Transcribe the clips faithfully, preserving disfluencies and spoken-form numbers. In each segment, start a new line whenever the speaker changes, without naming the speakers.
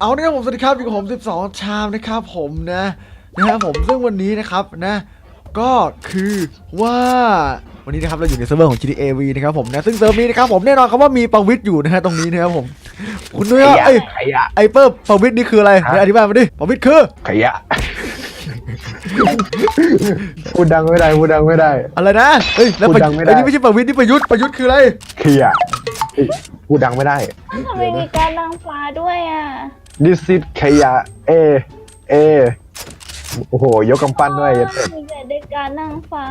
เอาเนี่ยผมสวัสดีครับอยู่กับผมสิบสองชามนะครับผมนะนะครับผมซึ่งวันนี้นะครับนะก็คือว่าวันนี้นะครับเราอยู่ในเซิร์ฟเวอร์ของ จี ที เอ วี นะครับผมนะซึ่งเซิร์ฟนี้นะครับผมแน่นอนครับว่ามีประวิตรอยู่นะฮะตรงนี้นะครับผมคุณนุ้ยไอ้
ขยะ
ไอ้เปิ้ลประวิตรนี่คืออะไรเดี๋ยวอธิบายมาดิประวิตรคือ
ขยะพูดดังไม่ได้พูดดังไม่ได้
อะไรนะเฮ้ยแล้วประไอ้นี่ไม่ใช่ประวิตรนี่ประยุทธ์ประยุทธ์คืออะไร
ขยะพูดดังไม่ได้
ทำไมมีการนางฟ้าด้วยอ่ะ
This is ขยะเอเอโอ้โหยกกำปั้นด้วยยัดเป็ด
มีแต่เด็กการนางฟ้า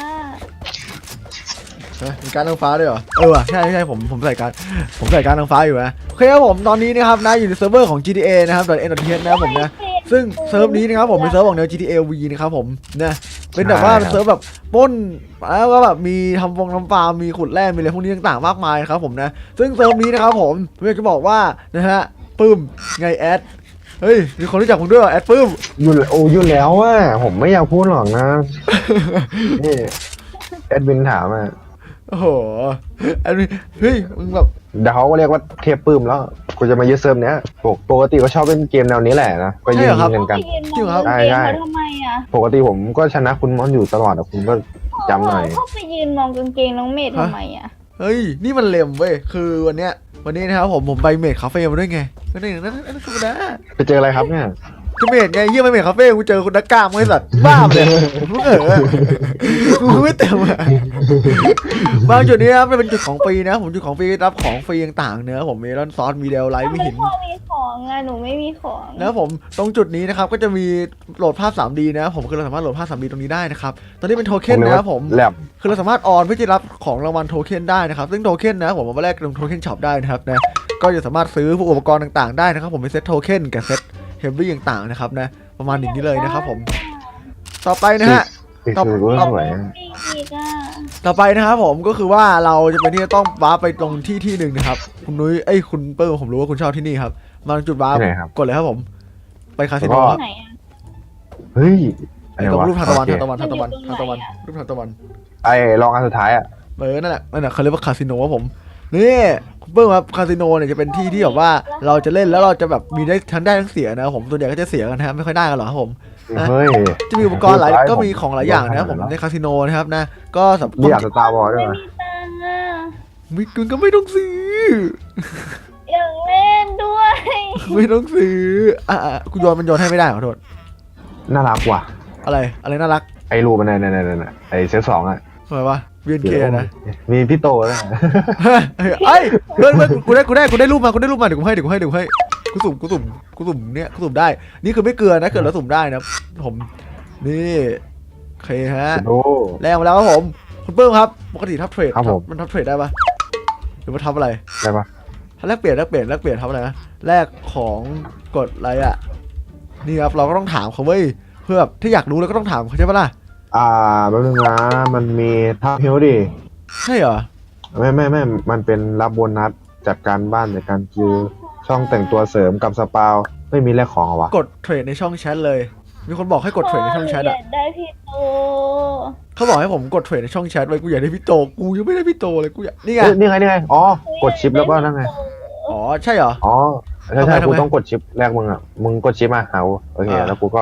มีการนางฟ้าด้วยเหรอเออว่ะใช่ใช่ผมผมใส่การผมใส่การนางฟ้าอยู่นะโอเคครับผมตอนนี้นะครับนะอยู่ในเซิร์ฟเวอร์ของ จี ที เอ นะครับ .n.th นะครับผมนะซึ่งเซิร์ฟนี้นะครับผมเป็นเซิร์ฟของแนว จี ที เอ วี นะครับผมนะเป็นแบบว่าเป็นเซิร์ฟแบบปล้นแล้วก็แบบมีทำฟงทำฟาร์มมีขุดแร่มีอะไรพวกนี้ต่างๆมากมายครับผมนะซึ่งเซิร์ฟนี้นะครับผมผมอยากจะบอกว่านะฮะปื้มไงแอดเฮ้ยมีคนรู้จักผมด้วยแอดปื้ม
ยุ่นโอ้ยุ่นแล้วอ่ะผมไม่อยากพูดหรอกนะนี่แอดมินถามอ่ะ
โอ้โหอันนี้เฮ้ยมึงแบบ
เดี๋ยวเขาก็เรียกว่าเทพปื้มแล้วกูจะมายึดเซิร์ฟเนี้ยปกติก็ชอบเล่นเกมแนวนี้แหละนะก็ยิงยิงกันกัน
จริงเหรอใช่ใช่ทำไมอ่ะ
ปกติผมก็ชนะคุณมอนอยู่ตลอดอ่ะคุณก็จำหน่อย
เขาไปยืนมองกางเกงน้องเมย์ทำไมอ่ะ
เฮ้ยนี่มันเล็มเว้ยคือวันเนี้ยวันนี้นะครับผมผมไปเมดคาเฟ่มาด้วยไงก็นี่นั่นนั่นธรรมดา
ไปเจออะไรครับเนี่ย
ก็เมดไงเยี่ยมไปเมดคาเฟ่กูเจอคุณนักกล้ามไอ้สัตว์บ้าเลยมึงเออกูไม่เต็มอ่ะบางจุดนี้นะเป็นจุดของฟรีนะผมจุดของฟรีรับของฟรีต่างๆเนื้อผมมีร้านซอสมีเดลไลท์มีหิน
พ่อมีของอ่ะหนูไม่มีของ
แล้วผมตรงจุดนี้นะครับก็จะมีโหลดภาพ ทรี ดี นะผมคือเราสามารถโหลดภาพ ทรี ดี ตรงนี้ได้นะครับตอนนี้เป็นโทเค็นนะครับผมคือเราสามารถออนเพื่อจะรับของรางวัลโทเค็นได้นะครับซึ่งโทเค็นนะผมเอามาแลกตรงโทเค็นช็อปได้นะครับนะก็จะสามารถซื้อพวกอุปกรณ์ต่างๆได้นะครับผมเป็นเซ็ตโทเค็นกับเซ็ตเฮฟวี่ต่างๆนะครับนะประมาณอย่างนี้เลยนะครับผมต่อไปนะฮะ
ต่อต่อไป
ต่อไปนะครับผมก็คือว่าเราจะเป็นที่จะต้องว้าไปตรงที่ที่หนึ่งนะครับคุณนุ้ยเอ้ยคุณเปิ้ลผมรู้ว่าคุณชอบที่นี่ครับมาจุดว้ากดเลยครับผมไปคาสิโนครับ
เฮ้ย
ไอ้ตรงรูปทานตะวันทานตะวันทานตะวันทานตะวันรูปทานตะวัน
ไอ้ลองอันสุดท้ายอ่ะ
เออนั่นแหละนั่นแหละเขาเรียกว่าคาสิโนครับผมนี่คุณเปิ้ลครับคาสิโนเนี่ยจะเป็นที่ที่แบบว่าเราจะเล่นแล้วเราจะแบบมีได้ทั้งได้ทั้งเสียนะครับผมส่วนใหญ่ก็จะเสียกันนะครับไม่ค่อยได้กันหรอกครับผม
เฮ้ย
จะมีอุปกรณ์หลายก็มีของหลายอย่างนะครับผมในคาสิโนนะครับนะก็สำหรับ
อยากสตาร์วอลด้วย
ไม่มีตังค์อ่ะ
มิกุนก็ไม่ต้องซื้อ
อยากเล่นด้วย
ไม่ต้องซื้ออ่ะกูโยนมันโยนให้ไม่ได้ขอโทษ
น่ารักว่ะ
อะไรอะไรน่ารัก
ไอ้รูมันในในในไอ้เซตสองอ่ะ
ทำไมวะเวียนเคนะ
มีพี่โตด้วย
เอ้ยเพื่อนเพื่อนกูได้กูได้กูได้รูปมากูได้รูปมาเดี๋ยวกูให้เดี๋ยวกูให้เดี๋ยวกูให้กูสุ่มกูสุ่มกูสุ่มเนี่ยกูสุ่มได้นี่คือไม่เกลือนะเกิดแล้วสุ่มได้นะผมนี่โอเคฮะแรงมาแล้วครับผมคุณเปิ้ลครับปกติทับเทรดมันทับเทรดได้ปะหรือว่าทับอะไร
ได้ปะ
ถ้าแลกเปลี่ยนแลกเปลี่ยนแลกเปลี่ยนทับอะไรนะแลกของกดอะไรอ่ะนี่ครับเราก็ต้องถามเขาเว้ยเพื่อแบบถ้าอยากรู้แล้วก็ต้องถามเขาใช่ปะล่ะ
อ่าแป๊บนึงนะมันมีทับฮิวดิ
ใช่เหรอ
ไม่ไม่ไม่มันเป็นรับโบนัสจากการบ้านจากการคิวช่องแต่งตัวเสริมกับสปาวไม่มีแลกของเหรอวะ
กดเทรดในช่องแชทเลยมีคนบอกให้กดเทรดในช่องแชทอ่ะ
ได้พี่โต
เขาบอกให้ผมกดเทรดในช่องแชทไว้กูอยากได้พี่โตกูยังไม่ได้พี่โตเลยกูอยากนี่ไง
นี่ไงนี่ไงอ๋อกดชิปแล้วก็นั่นไง
อ๋อใช่เหรอ
อ๋อใช่ใช่กูต้องกดชิปแรกมึงอ่ะมึงกดชิปมาเอาโอเคแล้วกูก็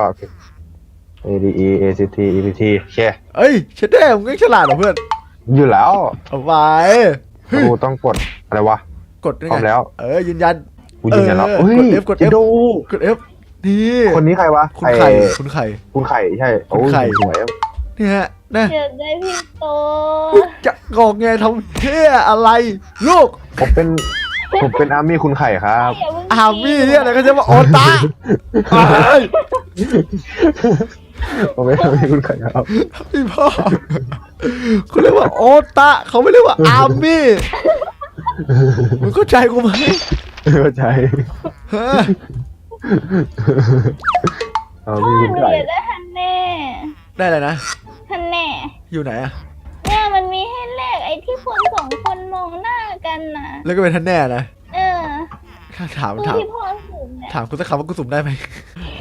A D E A C T E P T โอเค
เอ้ยเชดเด้มึงก็ฉลาดเหรอเพื่อน
อยู่แล้ว
เอาไป
กูต้องกดอะไรวะ
กดพร้อ
มแล้ว
เออยืนยัน
กูยืนยันแล้ว
กด F กด F
ดู
กด F นี่
คนนี้ใครวะ
คุณไข่คุณไข่
คุณไข่ใช่
คุณไข่
สวย
นี่ฮะนะ
อยากได้พี่โต
จะงอกไงทำเท่อะไรลูก
ผมเป็นผมเป็นอาร์มี่คุณไข่ครับ
อาร์มี่เนี่ยอะไรก็จะมาโอตา
ผมเป็นอาร์มี่คุณไข่ครับ
พี่พ่อเขาเรียกว่าโอตาเขาไม่เรียกว่าอาร์มี่มึงเข้าใจกูไหม
เข้าใจ
อาร์มี่คุณไข่ได้ฮันแน่
ได้เลยนะ
ฮันแน่
อยู่ไหนอะ
เนี่ยมันมีให้แลกไอ้ที่คนสองคนมองหน้ากันนะ
แล้วก็เป็นท่านแน่นะ
เออ
ถามถามถามคุณสักคำว่ากูสุ่มได้ไหม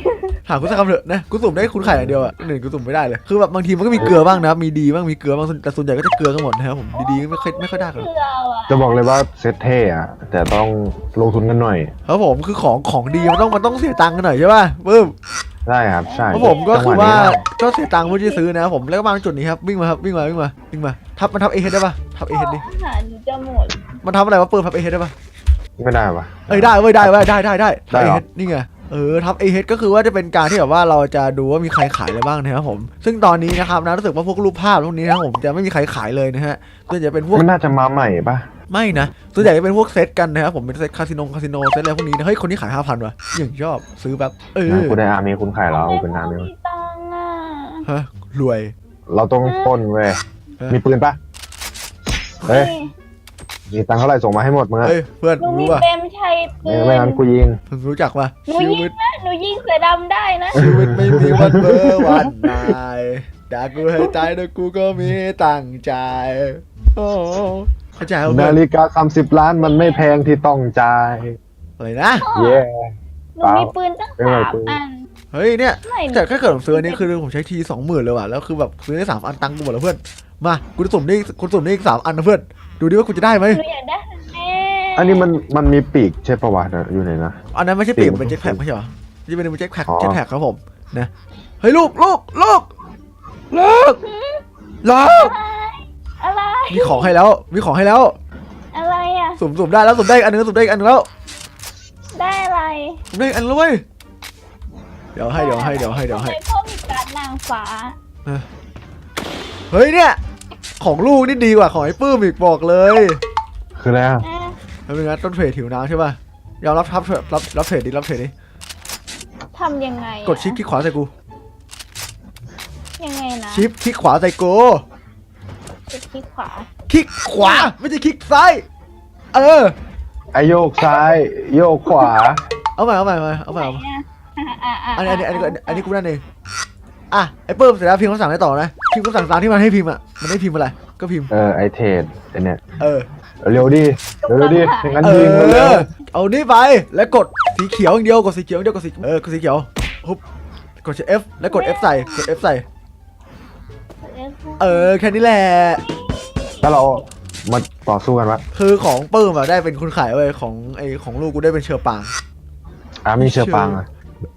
ถามกูสักคำเถอะนะกูสุ่มได้คุณไข่อย่างเดียวอ่ะหนึ่งกูสุ่มไม่ได้เลยคือแบบบางทีมันก็มีเกลือบ้างนะมีดีบ้างมีเกลือบ้างแต่ส่วนใหญ่ก็จะเกลือกันหมดนะครับผมดีๆไม่ค่อยไม่ค่อยได้กัน
เกลือว่ะ
จะบอกเลยว่าเซตเท่อะแต่ต้องลงทุนกันหน่อย
ครับผมคือของของดีมันต้องมันต้องเสียตังค์กันหน่อยใช่ป่ะปึ๊บ
ได้ครับใช่
ครับผมก็คือ
จังหะ
ว่า
นี้
ก็เสียตังค์เพื่อที่จะซื้อนะครับผมแล้วก็มาจุดนี้ครับวิ่งมาครับวิ่งมาวิ่งมาวิ่งมาทับมันทับเอเฮดได้ป่ะทับเอเฮดดิ
อาหารหนูจะหมด
มันทำอะไรวะเปิดทับเอเฮดได้ป่ะ
ไม่ได้ปะ
เอ้ยได้เว้ยได้เว้ยได้ได้ได้
ได้
ทับเอ
เหรอ
เฮดนี่ไงเออทับเอเฮดก็คือว่าจะเป็นการที่แบบว่าเราจะดูว่ามีใครขายอะไรบ้างนะครับผมซึ่งตอนนี้นะครับนะรู้สึกว่าพวกรูปภาพพวกนี้นะครับผมจะไม่มีใครขายเลยนะฮะส่วนใหญ่เป็นพวก
มันน่าจะมาใหม่ปะ
ไม่นะส่วนใหญ่จะเป็นพวกเซตกันนะครับผมเป็นเซตคาสิโนคาสิโนเซตอะไรพวกนี้นะเฮ้ยคนนี้ขายห้าพันว่ะอย่างชอบซื้อแบบเออ
กูได้อาร์มีคุณขายแล้วเป็นอาร์มี
มีตังค์อ่ะ
ฮะรวย
เราต้องปล้นเว้ย
เออ
มีปืนปะเฮ้ยมีตังค์เท่าไหร่ส่งมาให้หมดมึงอะ
เฮ้ยเพื่อน
หนูมี
รู้ป่ะ
เต็มชัยปื
ไม่
น
ไม่งั้นกูยิง
เพิ่งรู้จักป่ะ
หนู
ชี
ยิ
วิ
ง
ต
นะหนูยิงเสือดำได้นะ
ชีวิตไม่มีวันเบอร์วันนายด่ากูให้ตายแต่กูก็มีตั้งใจโอ้เข้าใจเอาเพื่
นา
อน
ฬิกาสามสิบล้านมันไม่แพงที่ต้องจ่าย
อะไรนะ
เย้
หนูมีปืนตั้ง
เป็นไง
สาม
ปืน
อัน
เฮ้ยเนี่ย
ไม่
แต่ถ้าเกิดผมซื้ออันนี้คือผมใช้ทีสองหมื่นเลยว่ะแล้วคือแบบซื้อได้สามอันตังค์กูหมดแล้วเพื่อนมากูจะสุ่มได้กูสุ่มได้อีกสามอันนะเพื่อนดูดิว่ากูจะได้ไหม
หนูอยากได้แน่
อันนี้มันมันมีปีกใช่ปะวะเดี๋ยวอยู่ไหนนะ
อันนั้นไม่ใช่ปีก
ปีก
มันเป็นเจ็ตแพ็คไม่ใช่เหรอจะเป็นเจ็ตแพ็ค
อ๋อ
เจ็ตแพ็คครับผมนะเฮ้ยลูกลูกลูกลูกลูก
อะไร
มีของให้แล้วมีของให้แล้ว
อะไรอ่ะ
สุ่มสุ่มได้แล้วสุ่มได้อีกอันนึงสุ่มได้อีกอันนึงแล้ว
ได้อะไร
สุ่มได้อีกอันแล้วเว้ยเดี๋ยวให้เดี๋ยวให้เดี๋ยวให้เดี๋ยวให้
ทำไมพ่อมีการดนางฟ้า
เฮ้ยเนี่ยของลูกนี่ดีกว่าของไอ้ปื้มอีกบอกเลย
คืออะไรอะ
อ่ะ
แล้วเป็นไงต้นเทรดถิวน้ำใช่ป่ะยอมรับทับรับรับรับเทรดดิรับเทรดดิ
ทำยังไงอะ
กดชิปคลิกขวาใส่กู
ยังไงนะ
ชิปคลิกขวาใส่กู
กดคลิกขวา
คลิกขวาไม่ใช่คลิกซ้ายเออ
ไอโยกซ้ายโยกขวา
เอาใหม่เอาใหม่เอาใหม่เอาใหม่
ไหนอะอ่ะอ่ะ
อันนี้อันนี้อันนี้อันนี้อันนี้กูนั่นเองอ่ะไอ้ปื้มเสร็จแล้วพิมพ์คำสั่งได้ต่อนะพิมพ์คำสั่งตามที่มันให้พิมพ์อ่ะมันได้พิมพ์อะไรก็พิมพ์
เออไอเทรดไอเนี่ย
เออ
เร็วดิเร็วดิอย่างนั้น
เอ
ยิงมาเร็ว
อเอานี่ไปแล้วกดสีเขียวอย่างเดียวกดสีเขียวอย่างเดียวกดสีเออกดสีเขียวฮุบกด F แล้วกด F ใส่กด F ใส่เออแค่นี้แหละ
ถ้าเรามาต่อสู้กันวะ
คือของปื้มอะได้เป็นคนขายเว้ยของไอของลูกกูได้เป็นเชอร์ปาง
อามีเชือปางอะ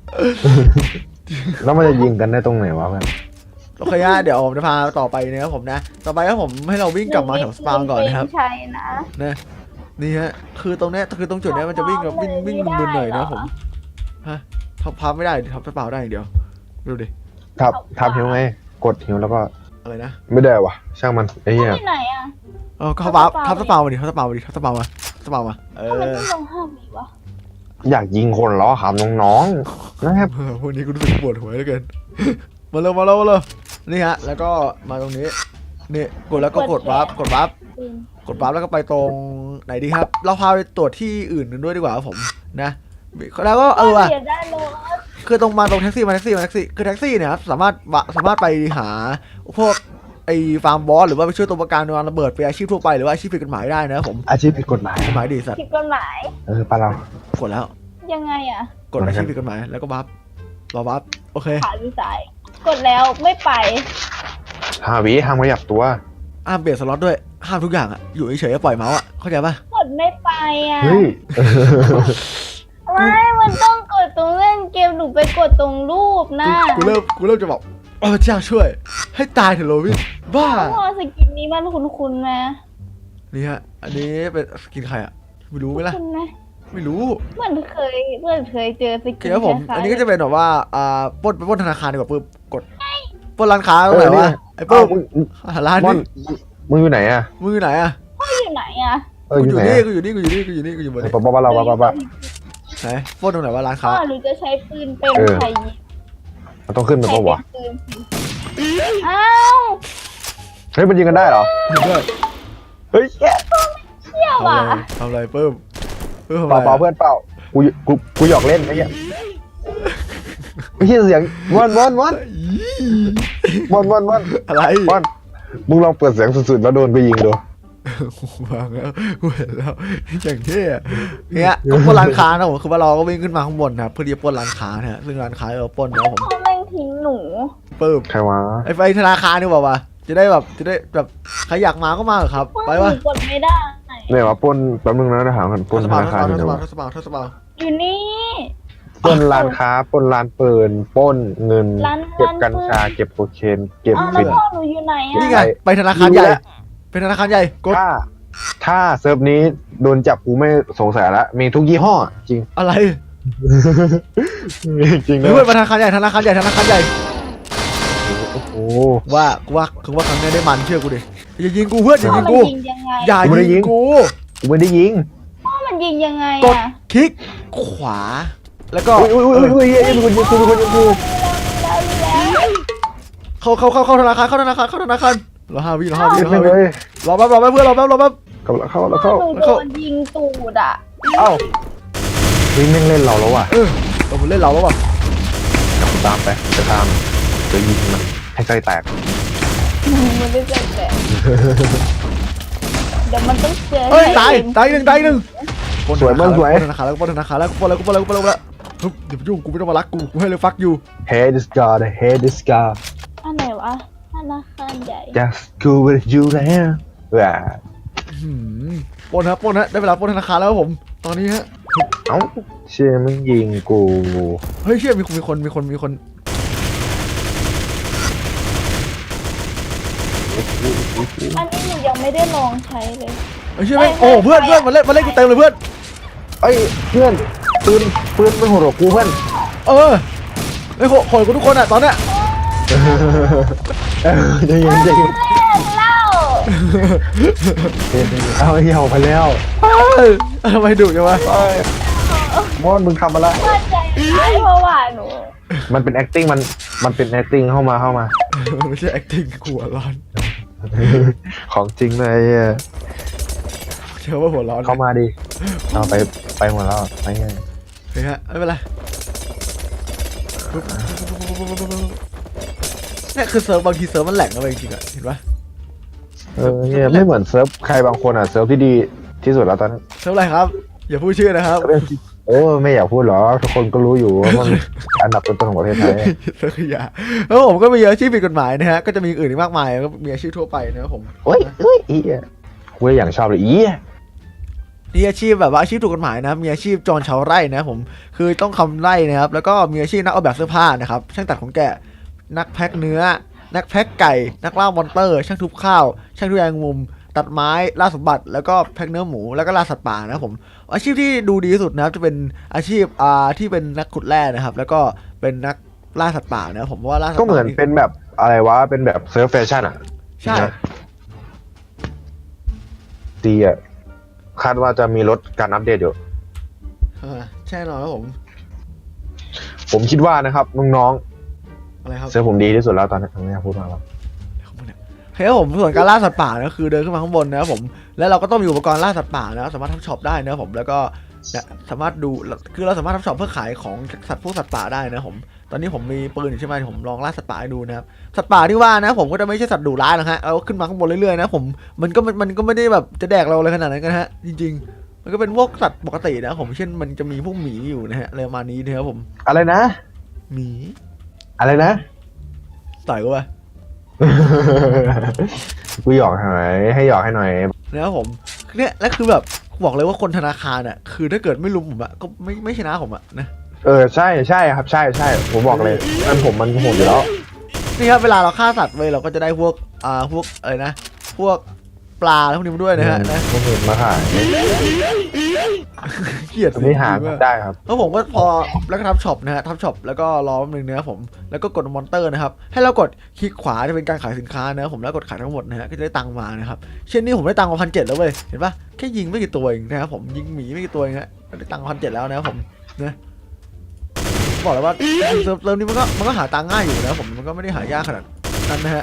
แล้วมันจะยิงกันได้ตรงไหนวะเพื่อน
โอเคนะเดี๋ยวผมจะพาต่อไปนะครับผมนะ ต่อไปครับผมให้เราวิ่งกลับมาแถวสปาวก่อนนะครับ
ใช่นะ
นะนี่ฮะคือตรงเนี้ยคือตรงจุดเนี้ยมันจะวิ่งแบบวิ่งวิ่งมึนๆหน่อยนะผมฮะทับพับไม่ได้ทับสปาวได้อย่างเดียวดูดิ
ทับทับหิวไงกดหิวแล้วก็
อะไรนะ
ไม่ได้วะช่างมันไอ้เหี้ย
ที่ไหนอ่ะ
เออก็ทับทับสปาวมาดิทับสปาวมาดิทับสปาวมาสปาวมาเอ
ทำไม
อ
ต้องลงห้ามีวะ
อยากยิงคนล้อขำน้องๆนะครับ
เออพวกนี้กูรู้สึกปวดหัวเหลือเกิน มาเร็วมาเร็วมาเร็วนี่ฮะแล้วก็มาตรงนี้นี่กดแล้วก็กดวาร์ปกดวาร์ป
ปืน
กดวาร์ปแล้วก็ไปตรงไหนดีครับ เราพาไปตรวจที่อื่นกันด้วยดีกว่าครับผมนะแล้วก็เออว่ะ
เดี๋ยวได้รถ
คือตรงมาตรงแท็กซี่มาแท็กซี่มาแท็กซี่คือแท็กซี่เนี่ยครับสามารถวะสามารถไปหาพวกไอ้ฟาร์มบอสหรือว่าไปช่วยตัวประกันในวันระเบิดไปนอาชีพทั่วไปหรือว่าอาชีพผิดกฎหมายได้นะครับผม
อาชีพผิดกฎหมาย
กฎหมายดีสัตว์
ผิดกฎหมาย
เออปะเรา
กดแล้ว
ยังไงอ่ะ
กดอาชีพผิดกฎหมายแล้วก็บัฟรอบัฟโอเค
ขาหรือซ้าย กดแล้วไม่ไป
หาวิห้ามขยับตัว
ห้ามเปลี่ยนสล็อตด้วยห้ามทุกอย่างอะอยู่เฉยๆปล่อยเมาส์อะเข้าใจปะ
กดไม่ไปอ่ะ
เฮ้ย
ไม่ มันต้องกดตรงเล่นเกมหนูไปกดตรงรูปนะ
กูกูเริ่มกูเริ่มจะบอกโอ้เจ้าช่วย ให้ตายเถอะโรบินบ้า
พอสกินนี้มันคุ้นๆไหม
นี่ฮะอันนี้เป็นสกินใครอะไม่รู้ไหมล่ะ
คุ้นไหม
ไม่รู้
เหมือนเคยเหมือนเคยเจอส
โอ
กิ
เคน ครับผม
คล้ายๆ
อันนี้ก็จะเป็นแบบว่าอ่าปล้นไปปล้นธนาคารดีกว่าปึ๊บกดปล้นร้านค้าตรงไหนวะไอ้
เอ้า
ปึ๊บ
มึง
หาร้าน
ม่อ
นี่
นมึงอยู่ไหนอะ
มึงอยู่ไหนอะ
พ่ออยู่ไหนอ่ะ
เออ
กู
อ
อยู่ ยู่
ไหน
นี่
อะ
กูอยู่นี่กูอยู่นี่กูอยู่นี่กูอยู่บน
เออ
นี้
ปะปะปะเราปะปะปะ
ไหนปล้นตรงไหนวะร้าน
พ่อ
ค้า
หนูจะใช้ปืนเป็น
เออ
ใครยิง
มันต้องขึ้นไป
ใช้
ปะ
เป็
วะ
นปืนสิอ้าว
เฮ้ยมันยิงกันได้เหรอ
เพื่อน
เฮ้ยแย่
เที่ยว
ทำอะ
อ่ะ
ไรทำอะไรปึ๊บปึ๊บทำ
เป
อะ
ล่า
ไร
เปล่าเพื่อนเปล่ากูกูกูหยอกเล่นไอ้เหี้ยไอ้เหี้ยเสียงวันวันวันวันวันวัน
อะไร
วันมึงลองเปิดเสียงสุดๆแล้วโดนไปยิงดู
วางแล้วกูเห็นแล้วอย่างเท่อะเนี่ยก็ปล้นร้านค้านะผมคือว่าเราก็วิ่งขึ้นมาข้างบนนะครับเพื่อที่จะปล้นร้านค้านะฮะซึ่งร้านค้าเราปล้นนะผม
พ่อแม่งทิ้งหนู
ปึ๊บ
ใครวะ
ไอ้ไฟธนาคารนี่บอกว่าจะได้แบบจะได้แบบใครอยากมาก็มาเหรอครับ
พ่อ
ไป
หนู
วะ
กดไม่ได้
เนี่ยว่าปล้นแป๊บนึงนะถามกันปล้น
ท
ธ
ศบาล
นาคารอยู่
ทศ
ไหน
บาล
วะ
ทศบาลทศบาล
อยู่นี่
ปล้นร้านค้าปล้นร้านปืนปล้นเงิน
ร้าน
เก็บกัญ
ร้านปืน
ชาเก็บโคเคนเก็บ
อ้าวแล้
ฟิ
วน พ่อหนูอยู่ไหน
นี่
อ่ะ
ไงไปธนาคารใหญ่เป็นธนาคารใหญ่กด
ถ้าถ้าเซิร์ฟนี้โดนจับกูไม่สงสัยละมีทุกยี่ห้อจริง
อะไร
จริง
เฮ้
นะ
ยเพื่อนธนาคารใหญ่ธนาคารใหญ่ธนาคารใหญ่
โอ้โห
ว่ากูว่าคือว่าครั้งนี้ได้มันเชื่อกูดิอย่ายิงกูเพื่อนอย่า
พ่อ
ยิง
มัน
กู
ยิงยังไง
อย่ายิงกู
กูไม่ได้ยิง
พ่อมันยิงยังไง
กด
อ่ะ
คลิกขวา แล้วก็
อุ้ยอุ้ยอุ้ยอุ้ยเฮ้ยมีคนยิงกูมีคนยิงกู
แล้วแล้ว
เข้าเข้าเข้าเข้าธนาคารเข้าธนาคารเข้าธนาคารรอห้าวิรอห้าวิ
ยิง
รอ
ไป
ห้า
เล
วิ
ย
รอแป๊บรอแป๊บเพื่อนรอแป๊บรอแป๊บ
เข้าแล้วเข้าแล้ว
พ่อ
เข้า
หนูโดนยิงตูดอ่ะ
เอ้าเฮ้ยแม่งเล่นเราแล้วว่ะ
เออเราเล่นเราแล้วป่ะ
กูตามไปจะตามจะยิงมันให้ไส้แตก
มันไม่ได้แต่เดี๋ยวมันต้องเจอ
เฮ้ยตายตายหนึ่งตายหนึ่ง
สวยมากสวย
ปล้นธนาคารแล้วปล้นธนาคารแล้วปล้นแล้วปล้นแล้วปล้นแล้วปล้นแล้วฮึบอย่าไปยุ่งกูไม่ต้องมารักกูกูให้เลยฟักอยู่
Hey this guy Hey this guy
อันไหนวะธนาคารใหญ่
just go with you แล้วว้า
หืมปล้นฮะปล้นฮะได้เวลาปล้นธนาคารแล้วครับผมตอนนี้ฮะ
เอ้าเชื่อมึงยิงกู
เฮ้ยเชื่อมีคนมีคนมีคนมีคน
อันนี้หนูยังไม่ได้ลองใช้เลย
เฮ้ยเชื่อไหมโอ้เพื่อนเพื่อนมาเล่นมาเล่นกูเต็มเลยเพื่อน
เอ้ยเพื่อนปืนปืนมันโหดกว่ากูเพื่อน
เออไอ้โหโหดกูทุกคนอ่ะตอนเนี้ย
เออใจเย็นใจเย็น
เล่า
เอาเหี่ยวไปแล้ว
เอ้ยทำไมดุจังวะ
เอ้ยมอนมึงทำมาละ
ว่าใจร้ายเพราะว่าหนู
มันเป็น acting มันมันเป็น acting เข้ามาเข้ามา
ไม่ใช่ acting กูหัวร้อน
ของจริงเลยอ่ะ
เชื่อว่าหัวร้อน
เข้ามาดิเอาไปไปหมดแล้วไปไง
เฮ้ยฮะไม่เป็นไรปุ๊บเนี่ยคือเซิร์ฟบางทีเซิร์ฟมันแหลกนะเว้ยจริงๆอ่ะเห็นปะ
เออเนี่ยไม่เหมือนเซิร์ฟใครบางคนอ่ะเซิร์ฟที่ดีที่สุดแล้วตอนนี้
เซิร์ฟอะไรครับ อย่าพูดชื่อนะครับ
โอ้ไม่อยากพูดหรอกทุกคนก็รู้อยู่ว่ามันอันดับต้นๆของประเทศไทย
เซิร์ฟขยะแล้วผมก็มีอาชีพผิดกฎหมายนะฮะก็จะมีอื่นอีกมากมายก็มีอาชีพทั่วไปนะครับผม
โอ้ยเอ้ยอีอ่ะกูเลยอย่างชอบเลยอีอ่ะ
มีอาชีพแบบว่าอาชีพถูกกฎหมายนะมีอาชีพจรชาวไร่นะครับผมคือต้องทำไร่นะครับแล้วก็มีอาชีพนักออกแบบเสื้อผ้านะครับช่างตัดขนแกะนักแพ็คเนื้อ นักแพ็คไก่ นักล่ามอนเตอร์ ช่างทุบข้าว ช่างทุบแยงมุม ตัดไม้ล่าสมบัติแล้วก็แพ็คเนื้อหมูแล้วก็ล่าสัตว์ป่านะครับผมอาชีพที่ดูดีที่สุดนะครับจะเป็นอาชีพอ่าที่เป็นนักขุดแร่นะครับแล้วก็เป็นนักล่าสัตว์ป่านะครับผมว่าล่าสัตว์
ก็
ป่า
เหมือนเป็นแบบอะไรวะเป็นแบบเซิร์ฟแฟชั่นอ่ะ
ใช่
ดีอ่ะคาดว่าจะมีลดการอัปเดตอยู่
อ่าใช่หรอครับผม
ผมคิดว่านะครับน้อง
อะไรครับ
ๆเซิร์ฟผมดีที่สุดแล้วตอนนี้ไม่อยากพูดมากหรอก
เฮ้ยครับผมส่วนการล่าสัตว์ป่านะคือเดินขึ้นมาข้างบนนะครับผมแล้วเราก็ต้องมีอุปกรณ์ล่าสัตว์ป่านะสามารถทำช็อปได้นะครับผมแล้วก็เนี่ยสามารถดูคือเราสามารถทำช็อปเพื่อขายของสัตว์พวกสัตว์ป่าได้นะครับผมตอนนี้ผมมีปืนอยู่ใช่ไหมผมลองล่าสัตว์ป่าให้ดูนะครับสัตว์ป่าที่ว่านะผมก็จะไม่ใช่สัตว์ดุร้ายหรอกฮะเอาขึ้นมาข้างบนเรื่อยๆนะผมมันก็มันก็ไม่ได้แบบจะแดกเราอะไรขนาดนั้นกันฮะจริงๆมันก็เป็นพวกสัตว์ปกตินะผมเช่นมันจะมีพวกหมีอยู่นะฮะอะไรประมาณนี้นะครับผม
อะไรนะ
หมี
อะไรนะ
ต่อยกูไป
กูหยอกหน่อยให้หยอกให้หน่อย
นะครับผมเนี่ยและคือแบบบอกเลยว่าคนธนาคารอ่ะคือถ้าเกิดไม่ลุมผมอ่ะก็ไม่ไม่ชนะผมอ่ะนะ
เออใช่ใช่ครับใช่ใช่ผมบอกเลยมันผมมันโหดอยู่แล้ว
นี่ครับเวลาเราฆ่าสัตว์เว้ยเราก็จะได้พวกอ่าพวกอะไรนะพวกปลาพวกนี้มาด้วยนะฮะนะ
ผมเห็นมาขาย
เกลียด
ไม่หา
จริงๆ
ได้ครับ
แล้วผมก็พอแล้วก็ทับช็อปนะฮะทับช็อปแล้วก็รอแป๊บนึงนะครับผมแล้วก็กดมอนเตอร์นะครับให้เรากดคลิกขวาจะเป็นการขายสินค้านะครับผมแล้วกดขายทั้งหมดนะฮะก็จะได้ตังค์มานะครับเช่นนี้ผมได้ตังค์มาพันเจ็ดแล้วเว้ยเห็นปะแค่ยิงไม่กี่ตัวเองนะครับผมยิงหมีไม่กี่ตัวเองฮะได้ตังค์พันเจ็ดแล้วนะครับผมนะบอกเลยว่าเซิร์ฟเซิร์ฟนี้มันก็มันก็หาตังค์ง่ายอยู่นะผมมันก็ไม่ได้หายากขนาดนั้นนะฮะ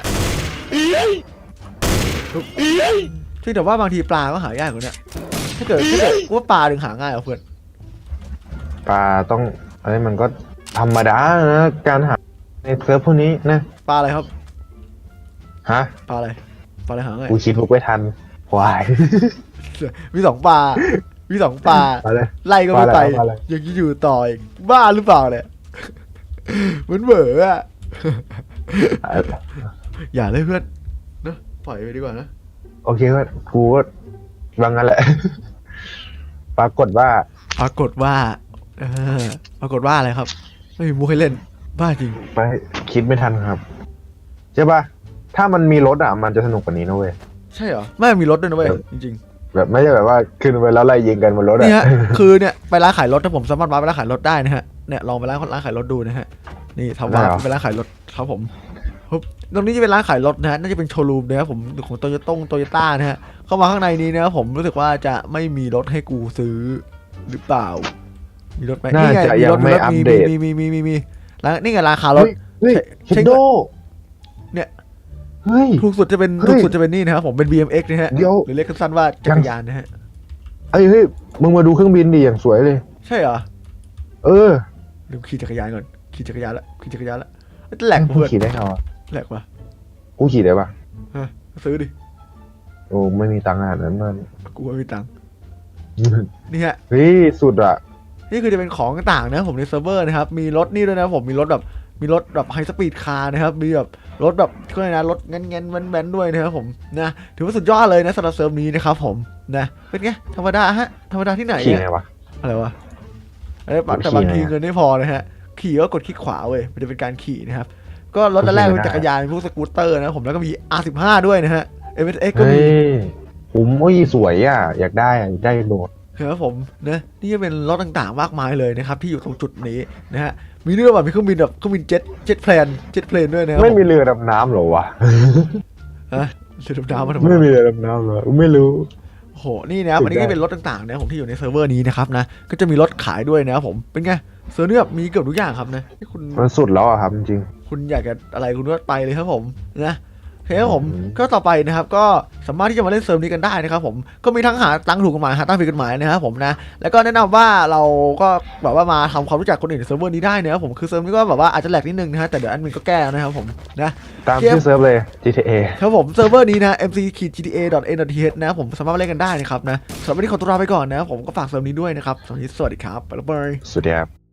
ที่แต่ว่าบางทีปลาก็หายากกว่านี้ถ้าเกิดถ้าเกิดว่าปลาถึงหาง่ายกว่าเพื่อน
ปลาต้องอะไรมันก็ธรรมดานะการหาในเซิร์ฟพวกนี้นะ
ปลาอะไรครับ
ฮะ
ปลาอะไรปลาอะไรหาง่าย
กูคิดมุกไม่ทันควาย
มีสองปลามีสองปลา
มาเลย
ไล่ก็ไม่ไป
ปลาอะไรปลาอะไร
ยังจะอยู่ต่ออีกบ้าหรือเปล่าเนี่ยเหมือนเบื่ออะ อย่าเลยเพื่อนเนอะปล่อยไปดีกว่านะ
โอเคก็กูก็วางงั้นแหละ ปรากฏว่า
ปรากฏว่าเออปรากฏว่าอะไรครับ ไม่มีมุกให้เล่นบ้าจริง
ไปคิดไม่ทันครับใช่ปะถ้ามันมีรถอ่ะมันจะสนุกกว่านี้นะเว้ย
ใช่เหรอไม่มีรถด้วยนะเว้ยจริง
แบบไม่ใช่แบบว่าขึ้นไปแล้วไล่ยิงกันบนรถ
ๆ
อ่ะ
นี่ฮะ คือเนี่ยไปร้านขายรถถ้าผมสามารถมาไปร้านขายรถได้นะฮะเนี่ยลองไปร้านร้านขายรถดูนะฮะนี่ทำว่าไปร้านขายรถครับผมปุ๊บตรงนี้จะเป็นร้านขายรถนะฮะน่าจะเป็นโชว์รูมนะครับผมของโตโยต้งโตโยต้านะฮะเข้ามาข้างในนี้นะครับผมรู้สึกว่าจะไม่มีรถให้กูซื้อหรือเปล่า มีรถไหม
น่า
นี่ไง
จะ
มี
ยั
รง ถ
ไม่
มีรถ
อัป
มี
เดต
มีมีมีมีมีร้านนี่ไงร้านขายรถ
เฮ้ย
ใช่
เฮดโด
เนี่ย
เฮ้ย
ถูกสุดจะเป็น
เฮ้ย
ถูกสุดจะเป็นนี่นะครับผมเป็น บี เอ็ม เอ็กซ์ นะฮะ
เดี๋ยว
หรือเรียกสั้นๆว่าจักรยานนะฮะ
เอ้ยเฮ้ยมึงมาดูเครื่องบินดิอย่างสวยเลย
ใช่เหรอ
เออ
ลืมขี่จักรยานก่อนขี่จักรยานละขี่จักรยานละแหลก
กู
เพื่อน
ขี่ได้ไงวะ
แหลกวะ
กูขี่ได้ปะ
ฮะซื้อดิ
โอ้ไม่มีตังค์ขนาดนั้นมัน
กูไม่มีตังค์นี่ฮะ
เฮ้ยสุดอ่ะ
นี่คือจะเป็นของต่างๆนะผมในเซิร์ฟเวอร์นะครับมีรถนี่ด้วยนะผมมีรถแบบมีรถแบบไฮสปีดคาร์นะครับมีแบบรถแบบก็เลยนะรถเงี้ยๆแว้นๆด้วยนะครับผมนะถือว่าสุดยอดเลยนะสำหรับเซิร์ฟนี้นะครับผมนะเป็นไงธรรมดาฮะธรรมดาที่ไหน
ขี่
อะ
ไงวะ
อะไรวะเอ้ยแต่บางทีเงินไม่พอนะฮะขี่ก็กดคลิกขวาเว้ยมันจะเป็นการขี่นะครับก็รถแรกเป็นจักรยานเป็นพวกสกูตเตอร์นะผมแล้วก็มี อาร์ สิบห้า ด้วยนะฮะ เอ็ม เอส เอ็กซ์ ก็
เฮ้
มี
ยผมโอ้ยสวยอ่ะ อยากได้อ่ะอยากได้โหลด
ครับผมนะนี่จะเป็นรถต่างๆมากมายเลยนะครับที่อยู่ตรงจุดนี้นะฮะมีเรื่องแบบมีเครื่องบินแบบเครื่องบินเจ็ตเจ็ตเพลนเจ็ตเพลนด้วยนะครับ
ไม่มีเรือดำน้ำเหรอวะ
ฮะเรือดำน้ำมาทำไม
ไม่มีเรือดำน้ำเหรอไม่รู้
โอ้โหนี่นะครับอันนี้ก็เป็นรถต่างๆนะผมที่อยู่ในเซิร์ฟเวอร์นี้นะครับนะก็จะมีรถขายด้วยนะครับผมเป็นไงเซิร์ฟนี่แบบมีเกือบทุกอย่างครับนะนี่คุณ
มันสุดแล้วอะครับจริง
คุณอยากจะอะไรคุณก็ไปเลยครับผมนะโอเคครับผม
อืม
ก็ต่อไปนะครับก็สามารถที่จะมาเล่นเซิร์ฟนี้กันได้นะครับผมก็มีทั้งหาตังค์ถูกกฎหมายหาตังค์ผิดกฎหมายนะครับผมนะแล้วก็แนะนำว่าเราก็แบบว่ามาทำความรู้จักคนอื่นในเซิร์ฟเวอร์นี้ได้นะครับผมคือเซิร์ฟนี้ก็แบบว่าอาจจะแหลกนิดนึงนะฮะแต่เดี๋ยวแอดมินก็แก้นะครับผมนะ
ๆ ตามชื่อเซิร์ฟเลย จี ที เอ
ครับผมเซิร์ฟเวอร์นี้นะ เอ็ม ซี จี ที เอ ดอท เอ็น ดอท ที เอช นะครับผมสามารถมาเล่นกันได้นะครับนะสำหรับวันนี้ขอตัวลาไปก่อนนะครับผมก็ฝากเซิร์ฟนี้ด้วยนะครับสวัสดีสวัสดีครับบ๊ายบาย
สวัสดีครับ